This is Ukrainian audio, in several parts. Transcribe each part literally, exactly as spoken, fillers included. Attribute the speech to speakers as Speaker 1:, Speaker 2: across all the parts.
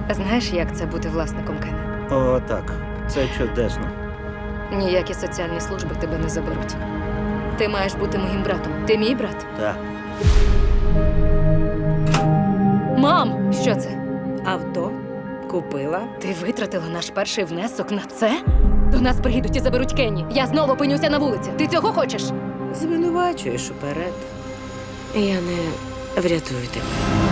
Speaker 1: Знаєш, як це бути власником Кена?
Speaker 2: О, так. Це чудесно.
Speaker 1: Ніякі соціальні служби тебе не заберуть. Ти маєш бути моїм братом. Ти мій брат?
Speaker 2: Так.
Speaker 1: Мам! Що це?
Speaker 3: Авто купила.
Speaker 1: Ти витратила наш перший внесок на це? До нас приїдуть і заберуть Кенні. Я знову опинюся на вулиці. Ти цього хочеш?
Speaker 3: Звинувачуєш уперед. Я не врятую тебе.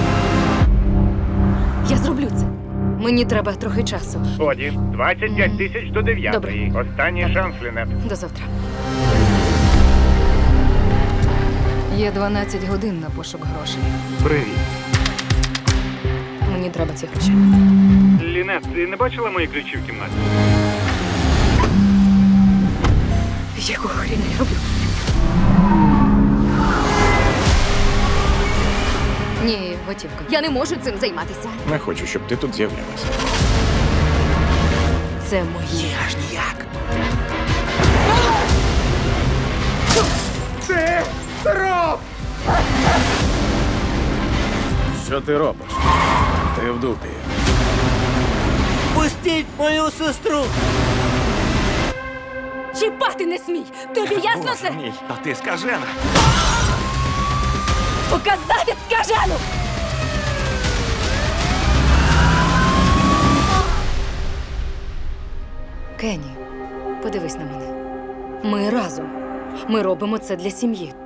Speaker 1: Я зроблю це. Мені треба трохи часу.
Speaker 4: Годі, двадцять п'ять тисяч до дев'ятої.
Speaker 1: Добре.
Speaker 4: Останній шанс, Лінет.
Speaker 1: До завтра. Є дванадцять годин на пошук грошей.
Speaker 4: Привіт.
Speaker 1: Мені треба ці гроші.
Speaker 4: Лінет, ти не бачила мої ключі в кімнаті?
Speaker 1: Якого хріна я роблю? Ні, готівка. Я не можу цим займатися.
Speaker 5: Не хочу, щоб ти тут з'являлася.
Speaker 1: Це моє.
Speaker 5: Аж ніяк.
Speaker 4: Ти роб!
Speaker 5: Що ти робиш? Ти в дупі.
Speaker 2: Пустіть мою сестру!
Speaker 1: Чіпати не смій! Тобі ясно це?
Speaker 5: Ні, та ти скажена.
Speaker 1: Показати скажену! Кенні, подивись на мене. Ми разом. Ми робимо це для сім'ї.